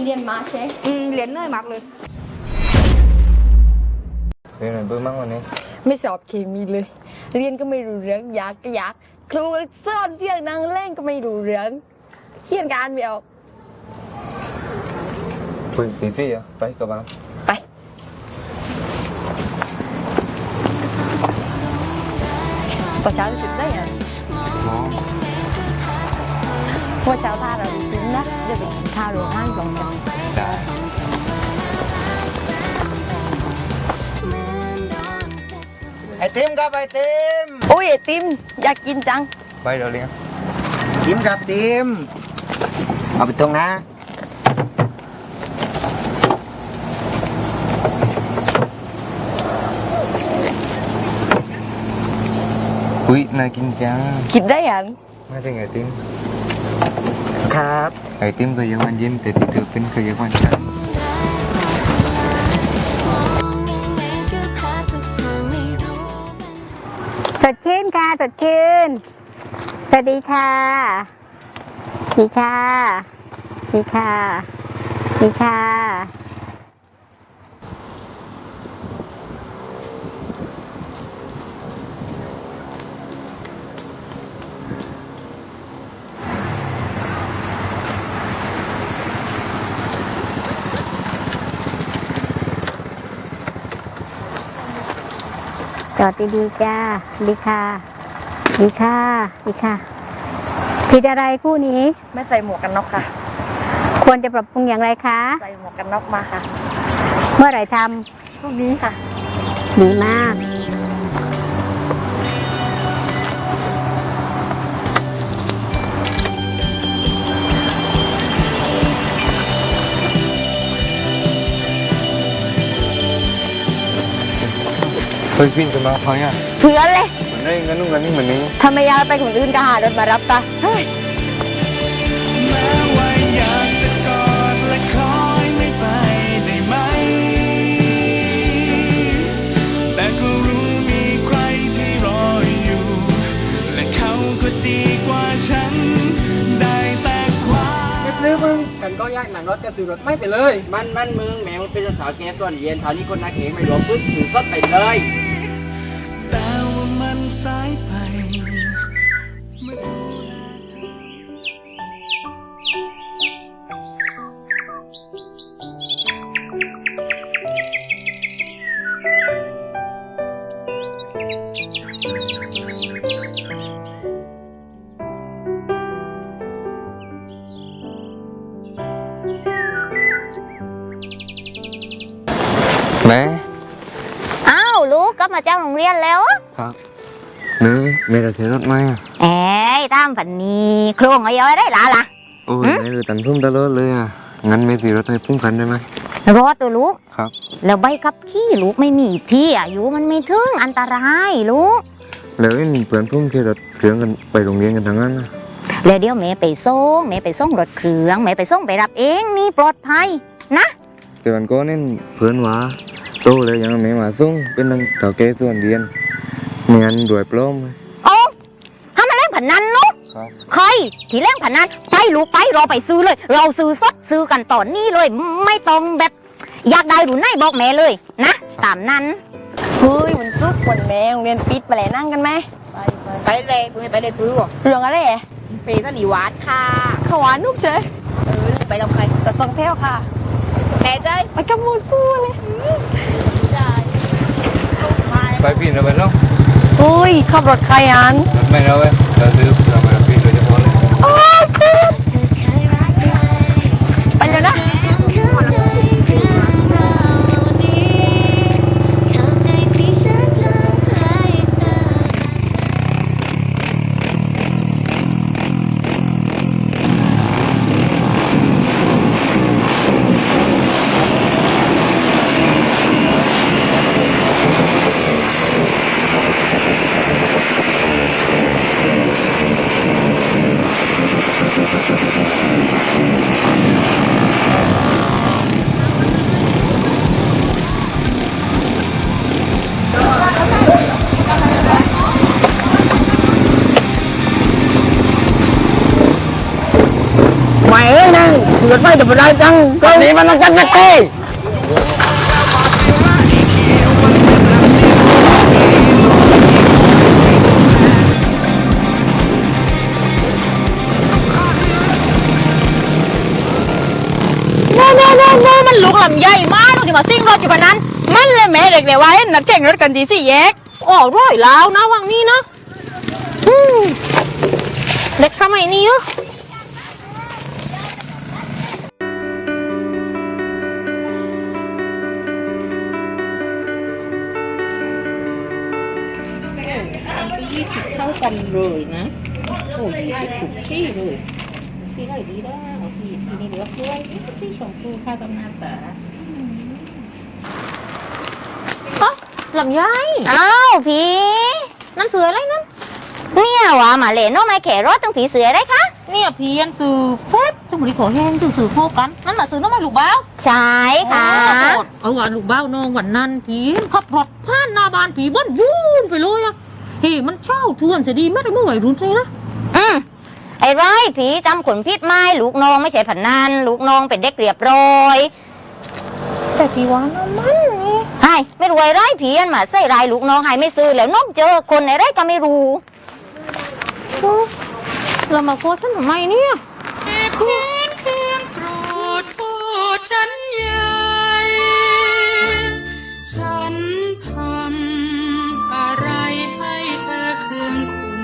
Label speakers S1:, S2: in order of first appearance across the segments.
S1: เรียนมาใช่
S2: เรียนเหนื่อยมากเลย
S3: เรียนอะไรเบื่อมากวันนี้
S1: ไม่สอบเคมีเลยเรียนก็ไม่รู้เรื่องอยากก็อยากครูสอนเสียงดังเล่นก็ไม่รู้เรื่องเขียนการไม่ออก
S3: คุยตีฟี่อ่ะไปกับบ้าน
S1: ไปตอนเช้าจะตื่นได้ยังว่าเช้าท่าเราซึ้งนะเดี๋ยวไปกินข้าวโรงงานลองกัน
S3: ได้ไอติมครับไอติม
S1: โอ้ยไอติมอยากกินจัง
S3: ไปเดี๋ยวเลี้ยง
S2: ติมครับติมเอาไปตรงนะ
S3: อุ้ยน่ากินจัง
S1: คิดได้ยัง
S3: ไม่ใช่ไอติม
S2: ครับ
S3: ไอติมก็ยังมันยิ้มแต่ติดเธอเป็นก็ยังมันจัง
S2: สดชื่นค่ะสดชื่นสวัสดีค่ะดีค่ะดีค่ะดีค่ะจอดดีๆจ้าดีค่ะดีค่ะดีค่ะผิดอะไรคู่นี้
S1: ไม่ใส่หมวกกันน็อกค่ะ
S2: ควรจะปรับปรุงอย่างไรคะ
S1: ใส่หมวกกันน็อกมาค่ะ
S2: เมื่อไหร่ท
S1: ำพรุ่งนี้ค่ะ
S2: ดีมาก
S3: เฮ้ยพี่จะมาเขาเนี่ย
S1: เพื่อนเลย
S3: เหมือนได้เงินนู่นเงินนี่เหมือนนี้
S1: ทำไมยายไปคนอื่นก็หารถมารับตาเฮ้ย
S4: แม้ว่าอยากจะกอดและคอยไม่ไปได้ไหมแต่ก็รู้มีใครที่รออยู่และเขาก็ดีกว่าฉันได้แต่ความ
S5: ซื้อมึงกันก็ยากหนังรถจะซื้อรถไม่ไปเลยมันมึงแหมมันเป็นสาวแก่ส่วนเย็นเท่านี้คนนักเองไม่รวมพึ่งถือก็ไปเลย
S4: แต่ว่ามันสายไปเมื่อดูแลเธ
S3: แม่
S2: อ้าวลูกก็มาจากโรงเรียนแล้ว
S3: ครับแม่จะถือรถไหม
S2: เอ้ยตามฝันนี้โครงเอาไว้ได้ล่ะ
S3: โอ้ยแม่ดูตันพุ่มตลอดเลยอ่ะงั้นแม่ถือรถให้พุ่มกันได้ไหม
S2: รถตัวลูก
S3: ครับ
S2: แล้วใบขับขี่ลูกไม่มีที่อายุมันไม่ถึงอันตรายลูก
S3: แล้วเพื่อนพุ่มขี่รถเครื่องกันไปโรงเรียนกันทั้งนั้นนะ
S2: แล้วเดี๋ยวแม่ไปส่งรถเครื่องแม่ไปส่งไปรับเองนี่ปลอดภัยนะ
S3: แต่วันก่อนนี่เพื่อนว่าโตเลยยังไม่มาส่งเป็นนังเต่าแก่ส่วนเรียนไม่งั้นรวยปล้อม
S2: โอ้ถ้ามันเล่นผันนั้นลูกใครที่เล่นผันนั้นไปลูกไปเราไปซื้อเลยเราซื้อสดซื้อกันตอนนี้เลยไม่ต้องแบบอยากได้หรือไหนบอกแม่เลยนะตามนั้น
S1: เฮ้ยมันซุกคนแม่โรงเรียนปิดไปแล้วนั่งกันไหม
S2: ไปเลยกูไม่ไปเลยปื้อ
S1: เรื่องอะไร
S2: ไปสนีวานค่ะ
S1: ขวานลูกเฉย
S2: ไปลำใคร
S1: แต่สองเท่าค่ะ
S2: แม่ใจ
S1: ไปกับมูสู้เลย
S3: ไปพี่เราไปเนาะ
S1: อุ้ยขับรถใครอัน
S3: ไม่เราไปเราซื้อเราไปพี่โดยเฉพาะเลย
S1: โอ้ยไปแล้วนะ
S5: รถไฟแต่ไม่ได้จังตอนนี้มันต้องจังนะเต้
S2: มันลุกลำใหญ่มากเราจะมาซิ่งรถอยู่บนนั้นมันเลยแม่เด็กเดี๋ยวไว้นัดแข่งรถกันดีสิแยกอ๋อร้อยแล้วนะวังนี้นะเด็กสมัยนี้อ่ะ20 เท่ากันเลยนะโอ้20ถูกที่เลยสีอะไรดีนะเอาสีเหลืองด้วยสีชมพูเข้ากับหน้าตาลำไยอ้าวพี่นั่นเสืออะไรนั่นเนี่ยว่ามาเล่นน้องไม่แขรถตั้งผีเสืออะไรคะเนี่ยพี่ยันสื่อเฟซจังหวะขอแห้งจังสื่อโคกันนั่นน่ะสื่อน้องไม่ลูกเบ้าใช่ค่ะเอาว่าลูกเบ้าน้องวันนั้นผีขับรถผ่านหน้าบ้านผีบ้านวุ่นไปเลยอะเฮ้มันเช่าทวนจะดีไม่ได้เมื่อไหร่รุ่นเลยนะไอ้ไรผีจำขนพิษไม้ลูกน้องไม่ใช่ผันนันลูกน้องเป็นเด็กเรียบร้อยแต่ผีว่าน้ำมันนี่ไอ้ไม่รวยไรผีอันมาใส่รายลูกน้องไอ้ไม่ซื้อแล้วน้องเจอคนไหนก็ไม่รู้เรามาโกรธฉันทำไมเนี่ย
S6: เหตุผลเครื่องโกรธโทษฉันใหญ่ฉันทำอะไรให้เธอเคืองคุณ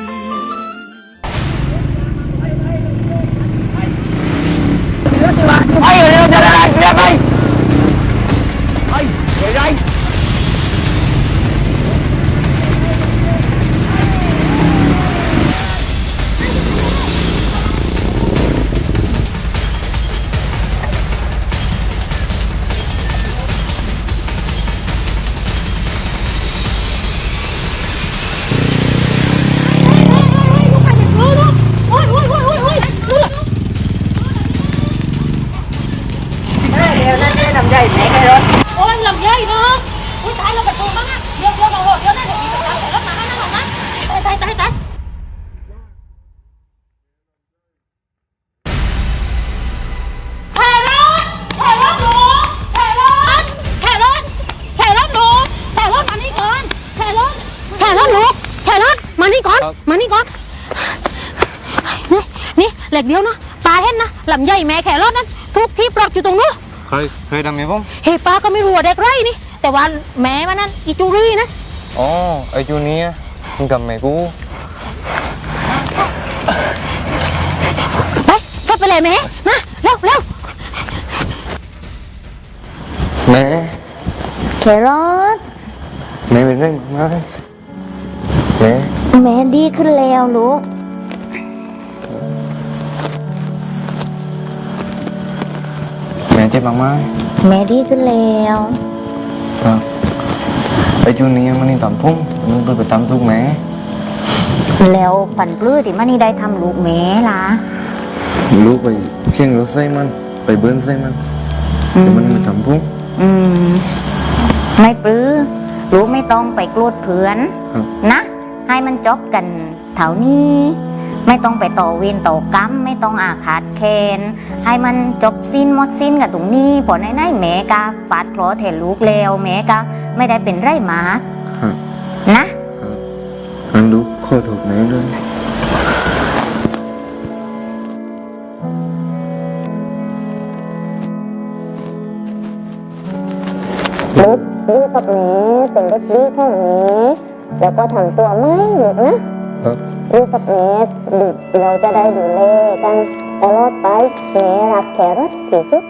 S5: ไปเร็วจะได้เร็วไปไปไร
S2: โอ้ยลำใหญ่เนาะอุ้ยตายเราประตูมั้งอะเดี๋ยวเราเดี๋ยวนะเดี๋ยวพี่ไปตามแต่รถมานั่นนะตายแขรถหนูแขรถมานี่ก่อนแขรถหนูมานี่ก่อนนี่เหล็กเดียวนะตาเห็นนะลำใหญ่แม่แขรถนั้นทุกที่ปลดอยู่ตรงนู้น
S3: เคยทำไหมผม
S2: เฮ้ป้าก็ไม่รู้เด็กไรนี่แต่ว่าแม่มันนั่นอีจูรี่นะ
S3: อ๋อไอจูเนียมึงทำไหมกู
S2: ไปเลยแม่มาเร็ว
S3: แม่
S2: แครอท
S3: แม่เป็นเรื่องมาก
S2: แม่ดีขึ้นแล้วลูก
S3: แม่เจ็บมากไหม
S2: แม่ดีขึ้นแล้ว
S3: ไอจูเนียมันนี่ต่ำพุ่งมันไปตามทุกแม่
S2: แล้วปั่นปลื้อที่มันนี่ได้ทำลูกแม่ล่ะ
S3: ลูกไปเชียงรถไส้มันไปเบิ้ลไส้มันแต่มันไม่ทำพุ่ง
S2: ไม่ปลื้อลูกไม่ต้องไปโกรธเพื่อนนะให้มันจบกันเท่านี้ไม่ต้องไปต่อเวรต่อกรรมไม่ต้องอาฆาตแค้นให้มันจบสิ้นหมดสิ้นกับตรงนี้พอในแม่กาฟาดเคราะห์แทนลูกแล้วแม่กาไม่ได้เป็นไรมากนะ
S3: งั้นลูกขอโทษแม่ด้วย
S2: ลูกกับแม่เป็นเด็กดีของแม่แล้วก็ทำตัวไม่หยุดนะลูกกับแม่เราจะได้ดูแลกันตลอดไปแม่รักแครอทที่สุด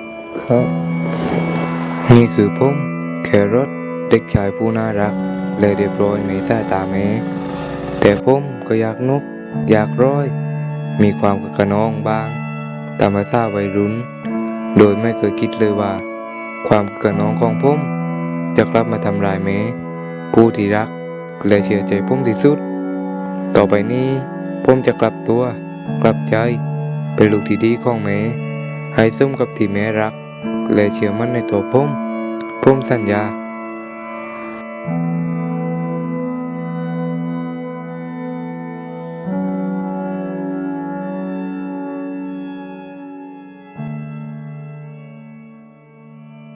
S3: นี่คือผมแครอทเด็กชายผู้น่ารักและเรียบร้อยในสายตาแม่แต่ผมก็อยากนกอยากร้อยมีความกระนองบ้างตามภาษาวัยรุ่นโดยไม่เคยคิดเลยว่าความกระนองของผมจะกลับมาทำลายแม่ผู้ที่รักและเชื่อใจผมที่สุดต่อไปนี้ผมจะกลับตัวกลับใจเป็นลูกที่ดีของแม่ให้สมกับที่แม่รักและเชื่อมั่นในตัวผมสัญญา